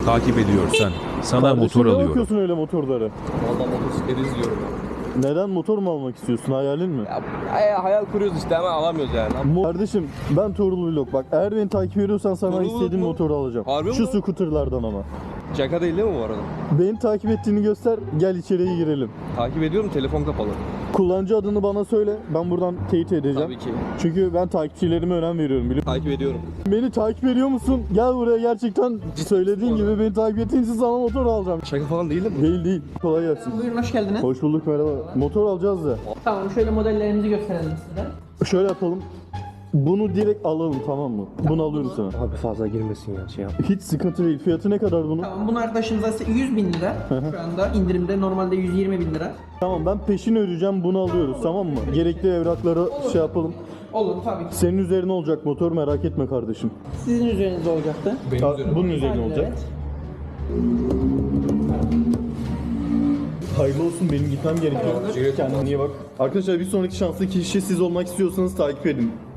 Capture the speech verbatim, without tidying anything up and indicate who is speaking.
Speaker 1: takip ediyorsan sana
Speaker 2: Kardeşim,
Speaker 1: motor
Speaker 2: ne
Speaker 1: alıyorum.
Speaker 2: bakıyorsun öyle motorlara?
Speaker 3: Valla motosiklet izliyorum.
Speaker 2: Neden motor mu almak istiyorsun? Hayalin mi?
Speaker 3: Ya, ya hayal kuruyoruz işte ama alamıyoruz yani.
Speaker 2: Mo- Kardeşim ben Tuğrul Vlog. Bak eğer beni takip ediyorsan sana
Speaker 3: Tuğrul
Speaker 2: istediğin
Speaker 3: mu?
Speaker 2: motoru alacağım.
Speaker 3: Harbi
Speaker 2: Şu
Speaker 3: mi?
Speaker 2: scooterlardan ama.
Speaker 3: Şaka değil değil mi bu arada?
Speaker 2: Beni takip ettiğini göster, gel içeriye girelim.
Speaker 3: Takip ediyorum, telefon kapalı.
Speaker 2: Kullanıcı adını bana söyle, ben buradan teyit edeceğim.
Speaker 3: Tabii ki.
Speaker 2: Çünkü ben takipçilerime önem veriyorum biliyor musun?
Speaker 3: Takip ediyorum.
Speaker 2: Beni takip ediyor musun? Gel buraya, gerçekten söylediğin gibi beni takip ettiğin için sana motor alacağım.
Speaker 3: Şaka falan değil mi bu?
Speaker 2: Değil değil. Kolay gelsin.
Speaker 4: Buyurun, hoş geldiniz.
Speaker 2: Hoş bulduk, merhaba. Motor alacağız da.
Speaker 4: Tamam, şöyle modellerimizi gösterelim size.
Speaker 2: Şöyle yapalım. Bunu direkt alalım, tamam mı? Bunu alıyorum sana.
Speaker 3: Abi fazla girmesin ya şey yap.
Speaker 2: Hiç sıkıntı değil. Fiyatı ne kadar bunun?
Speaker 4: Tamam, bunu arkadaşımıza yüz bin lira. Şu anda indirimde normalde yüz yirmi bin lira.
Speaker 2: Tamam, ben peşin ödeyeceğim, bunu alıyoruz, tamam mı? Gerekli evrakları şey yapalım.
Speaker 4: Olur tabii ki.
Speaker 2: Senin üzerine olacak motor, merak etme kardeşim.
Speaker 4: Sizin üzerinizde olacaktı.
Speaker 2: Ha, bunun üzerine olacak.
Speaker 4: Evet.
Speaker 2: Hayırlı olsun, benim gitmem gerekiyor. Kendine iyi bak. Arkadaşlar bir sonraki şanslı kişi siz olmak istiyorsanız takip edin.